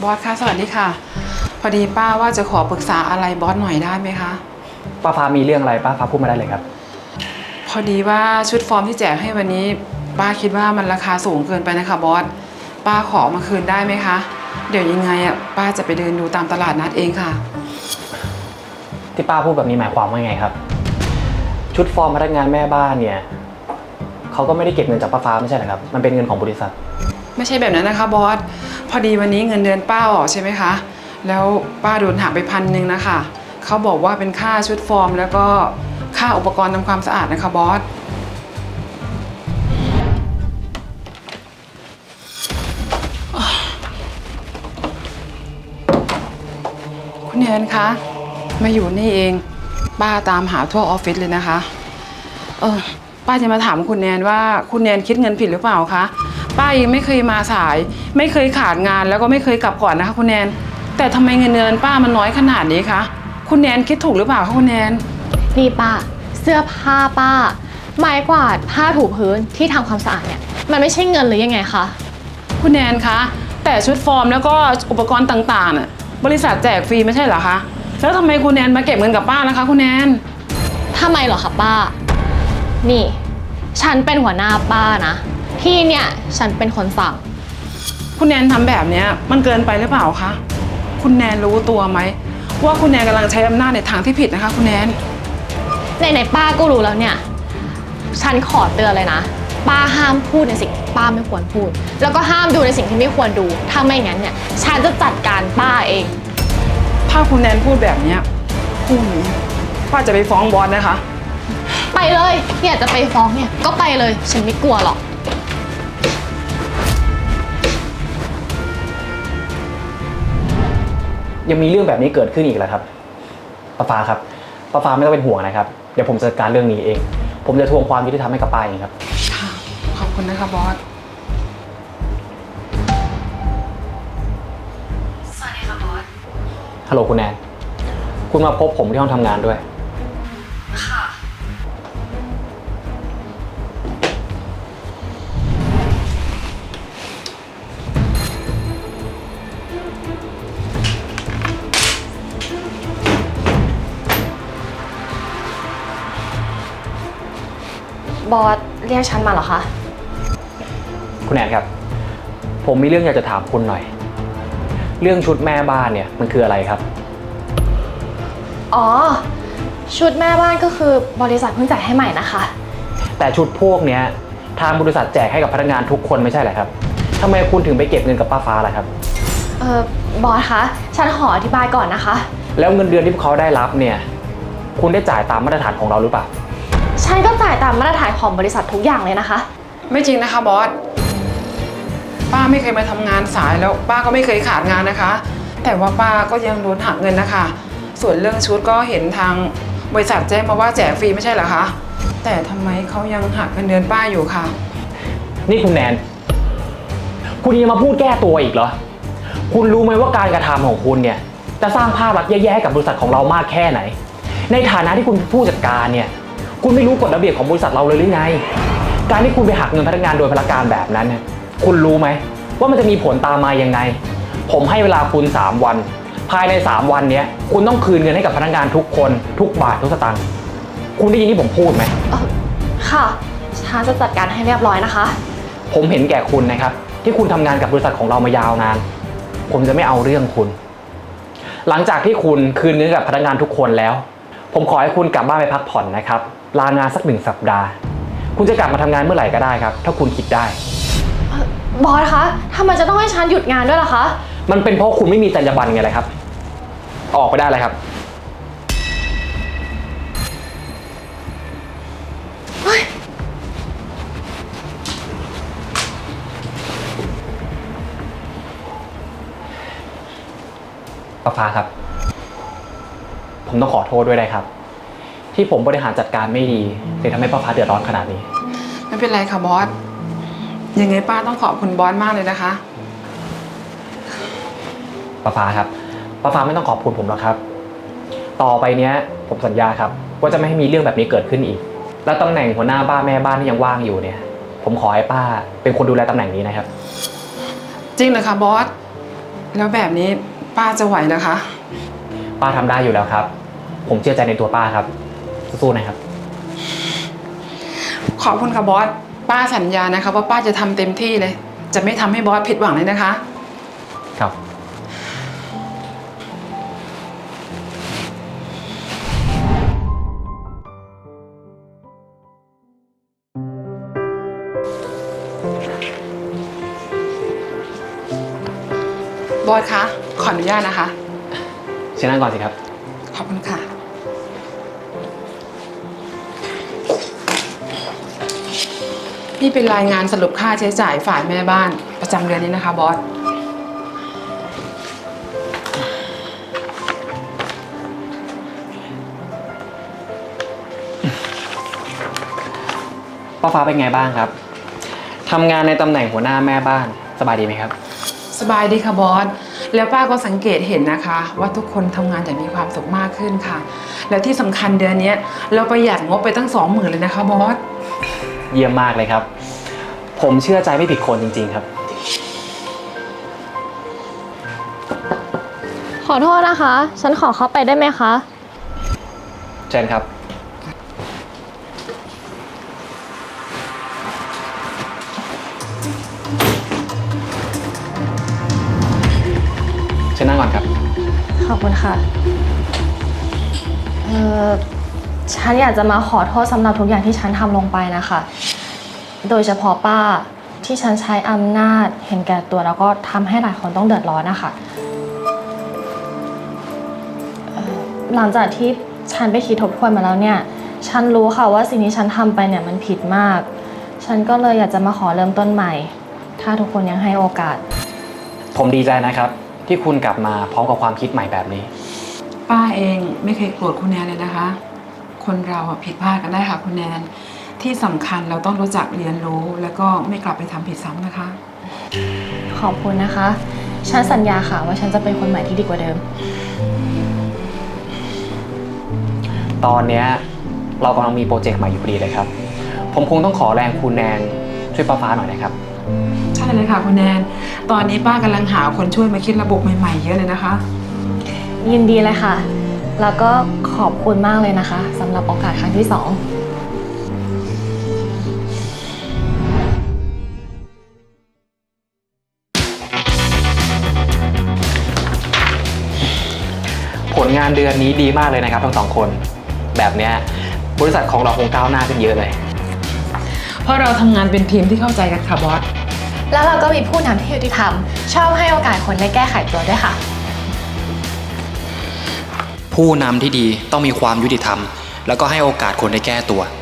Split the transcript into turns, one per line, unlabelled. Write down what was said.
อสค่ะสวัสดีค่ะพอดีป้าว่าจะขอปรึกษาอะไรบอสหน่อยได้ไหมคะ
ป้าฟ้ามีเรื่องอะไรป้าฟ้าพูดมาได้เลยครับ
พอดีว่าชุดฟอร์มที่แจกให้วันนี้ป้าคิดว่ามันราคาสูงเกินไปนะคะบอสป้าขอมาคืนได้ไหมคะเดี๋ยวยังไงป้าจะไปเดินดูตามตลาดนัดเองค่ะ
ที่ป้าพูดแบบนี้หมายความว่าไงครับชุดฟอร์มพนักงานแม่บ้านเนี่ยเขาก็ไม่ได้เก็บเงินจากป้าฟ้าไม่ใช่เหรอครับมันเป็นเงินของบริษัท
ไม่ใช่แบบนั้นนะคะบอสพอดีวันนี้เงินเดือนป้าออกใช่ไหมคะแล้วป้าโดนหักไป1,000นะคะเขาบอกว่าเป็นค่าชุดฟอร์มแล้วก็ค่าอุปกรณ์ทำความสะอาดนะคะบอสคุณแนนคะมาอยู่นี่เองป้าตามหาทั่วออฟฟิศเลยนะคะป้าจะมาถามคุณแนนว่าคุณแนนคิดเงินผิดหรือเปล่าคะป้ายังไม่เคยมาสายไม่เคยขาดงานแล้วก็ไม่เคยกลับก่อนนะคะคุณแนนแต่ทำไมเงินเดือนป้ามันน้อยขนาดนี้คะคุณแนนคิดถูกหรือเปล่าคะคุณแนน
นี่ป้าเสื้อผ้าป้าไม้กวาดผ้าถูพื้นที่ทำความสะอาดเนี่ยมันไม่ใช่เงินหรือยังไงคะ
คุณแนนคะแต่ชุดฟอร์มแล้วก็อุปกรณ์ต่างๆน่ะบริษัทแจกฟรีไม่ใช่เหรอคะแล้วทำไมคุณแนนมาเก็บเงินกับป้าล่ะคะคุณแนน
ทำไมเหรอคะป้านี่ฉันเป็นหัวหน้าป้านะที่เนี่ยฉันเป็นคนสั่ง
คุณแนนทำแบบนี้มันเกินไปหรือเปล่าคะคุณแนนรู้ตัวไหมว่าคุณแนนกำลังใช้อำนาจในทางที่ผิดนะคะคุณแนน
ไหนๆป้าก็รู้แล้วเนี่ยฉันขอเตือนเลยนะป้าห้ามพูดในสิ่งที่ป้าไม่ควรพูดแล้วก็ห้ามดูในสิ่งที่ไม่ควรดูถ้าไม่งั้นเนี่ยฉันจะจัดการป้าเอง
ถ้าคุณแนนพูดแบบนี้พรุ่งนี้ป้าจะไปฟ้องบอสนะคะ
ไปเลยเนี่ยจะไปฟ้องเนี่ยก็ไปเลยฉันไม่กลัวหรอก
ยังมีเรื่องแบบนี้เกิดขึ้นอีกแล้วครับป้าฟ้าครับป้าฟ้าไม่ต้องเป็นห่วงนะครับเดี๋ยวผมจัดการเรื่องนี้เองผมจะทวงความยุติธรรมให้กับป้าเองครับ
ค่ะขอบคุณนะคะบอส
สวัสดีค่ะบอส
ฮัลโหลคุณแนนคุณมาพบผมที่ห้องทำงานด้วย
ค่ะบอสเรียกฉันมาเหรอคะ
คุณแนนครับผมมีเรื่องอยากจะถามคุณหน่อยเรื่องชุดแม่บ้านเนี่ยมันคืออะไรครับ
อ๋อชุดแม่บ้านก็คือบริษัทเพิ่งจ่ายให้ใหม่นะคะ
แต่ชุดพวกเนี้ยทางบริษัทแจกให้กับพนักงานทุกคนไม่ใช่เหรอครับทำไมคุณถึงไปเก็บเงินกับป้าฟ้าล่ะครับ
บอสคะฉันขออธิบายก่อนนะคะ
แล้วเงินเดือนที่พวกเขาได้รับเนี่ยคุณได้จ่ายตามมาตรฐานของเราหรือเปล่า
ฉันก็จ่ายตามมาตรฐานของบริษัททุกอย่างเลยนะคะ
ไม่จริงนะคะบอสป้าไม่เคยมาทำงานสายแล้วป้าก็ไม่เคยขาดงานนะคะแต่ว่าป้าก็ยังโดนหักเงินนะคะส่วนเรื่องชุดก็เห็นทางบริษัทแจ้งมาว่าแจกฟรีไม่ใช่เหรอคะแต่ทำไมเขายังหักเงินเดือนป้าอยู่คะ
นี่คุณแนนคุณยังมาพูดแก้ตัวอีกเหรอคุณรู้ไหมว่าการกระทำของคุณเนี่ยจะสร้างภาพลักษณ์แย่ๆให้กับบริษัทของเรามากแค่ไหนในฐานะที่คุณเป็นผู้จัดการเนี่ยคุณไม่รู้กฎระเบียบของบริษัทเราเลยหรือไงการที่คุณไปหักเงินพนักงานโดยพลการแบบนั้นเนี่ยคุณรู้ไหมว่ามันจะมีผลตามมายังไงผมให้เวลาคุณ3 วันภายใน3 วันนี้คุณต้องคืนเงินให้กับพนักงานทุกคนทุกบาททุกสตางค์คุณได้ยินที่ผมพูดไหม
ค่ะฉันจะจัดการให้เรียบร้อยนะคะ
ผมเห็นแก่คุณนะครับที่คุณทำงานกับบริษัทของเรามายาวนานผมจะไม่เอาเรื่องคุณหลังจากที่คุณคืนเงินกับพนักงานทุกคนแล้วผมขอให้คุณกลับบ้านไปพักผ่อนนะครับลางานสัก1 สัปดาห์คุณจะกลับมาทำงานเมื่อไหร่ก็ได้ครับถ้าคุณคิดได้
บอสคะทำไมจะต้องให้ฉันหยุดงานด้วยล่ะคะ
มันเป็นเพราะคุณไม่มีจรรยาบรรณไงเลยครับออกไปได้เลยครับป้าฟ้าครับผมต้องขอโทษด้วยนะครับที่ผมบริหารจัดการไม่ดีเลยทำให้ป้าฟ้าเดือดร้อนขนาดนี้
ไม่เป็นไรค่ะบอสยังไงป้าต้องขอบคุณบอสมากเลยนะคะ
ป้าฟ้าครับป้าฟ้าไม่ต้องขอบคุณผมหรอกครับต่อไปเนี้ยผมสัญญาครับว่าจะไม่ให้มีเรื่องแบบนี้เกิดขึ้นอีกและตำแหน่งหัวหน้าบ้านแม่บ้านที่ยังว่างอยู่เนี่ยผมขอให้ป้าเป็นคนดูแลตำแหน่งนี้นะครับ
จริงเหรอคะบอสแล้วแบบนี้ป้าจะไหวเหรอคะ
ป้าทำได้อยู่แล้วครับ ผมเชื่อใจในตัวป้าครับ สู้ๆนะครับ
ขอบคุณค่ะบอส ป้าสัญญานะคะว่าป้าจะทำเต็มที่เลย จะไม่ทำให้บอสผิดหวังเลยนะคะ
ครับ
บอสคะ ขออนุญาตนะคะ
เชิญนั่งก่อนสิครับ
ขอบคุณค่ะ นี่เป็นรายงานสรุปค่าใช้จ่ายฝ่ายแม่บ้านประจำเดือนนี้นะคะบอส
ป้าฟ้าเป็นไงบ้างครับ ทำงานในตำแหน่งหัวหน้าแม่บ้านสบายดีไหมครับ
สบายดีค่ะบอส แล้วป้าก็สังเกตเห็นนะคะ ว่าทุกคนทำงานอย่างมีความสุขมากขึ้นค่ะ แล้วที่สำคัญเดือนนี้เราประหยัดงบไปตั้ง 20,000เลยนะคะบอส
เยี่ยมมากเลยครับ ผมเชื่อใจไม่ผิดคนจริงๆครับ
ขอโทษนะคะ ฉันขอเข้าไปได้ไหมคะ
เชิญครับ เชิญนั่งก่อนครับ
ขอบคุณค่ะ ฉันอยากจะมาขอโทษสำหรับทุกอย่างที่ฉันทำลงไปนะคะ โดยเฉพาะป้าที่ฉันใช้อำนาจเห็นแก่ตัวแล้วก็ทำให้หลายคนต้องเดือดร้อนนะคะหลังจากที่ฉันไปคิดทบทวนมาแล้วเนี่ย ฉันรู้ค่ะว่าสิ่งที่ฉันทำไปเนี่ยมันผิดมาก ฉันก็เลยอยากจะมาขอเริ่มต้นใหม่ ถ้าทุกคนยังให้โอกาส
ผมดีใจนะครับ ที่คุณกลับมาพร้อมกับความคิดใหม่แบบนี้
ป้าเองไม่เคยโกรธคุณแนนเลยนะคะ คนเราอะผิดพลาดกันได้ค่ะคุณแนน ที่สำคัญเราต้องรู้จักเรียนรู้แล้วก็ไม่กลับไปทำผิดซ้ำนะคะ
ขอบคุณนะคะ ฉันสัญญาค่ะว่าฉันจะเป็นคนใหม่ที่ดีกว่าเดิม
ตอนเนี้ยเรากำลังมีโปรเจกต์ใหม่อยู่พอดีเลยครับ ผมคงต้องขอแรงคุณแนนช่วยป้าฟ้าหน่อยนะครับ
ใช่เลยค่ะคุณแนน ตอนนี้ป้ากำลังหาคนช่วยมาคิดระบบใหม่ๆเยอะเลยนะคะ
ยินดีเลยค่ะ แล้วก็ขอบคุณมากเลยนะคะสำหรับโอกาสครั้งที่ 2
ผลงานเดือนนี้ดีมากเลยนะครับทั้งสองคน แบบเนี้ยบริษัทของเราคงก้าวหน้าขึ้นเยอะเลย
เพราะเราทำงานเป็นทีมที่เข้าใจกันค่ะบอส
แล้วเราก็มีผู้นำที่ยุติธรรม ชอบให้โอกาสคนได้แก้ไขตัวด้วยค่ะ
ผู้นำที่ดีต้องมีความยุติธรรม แล้วก็ให้โอกาสคนได้แก้ตัว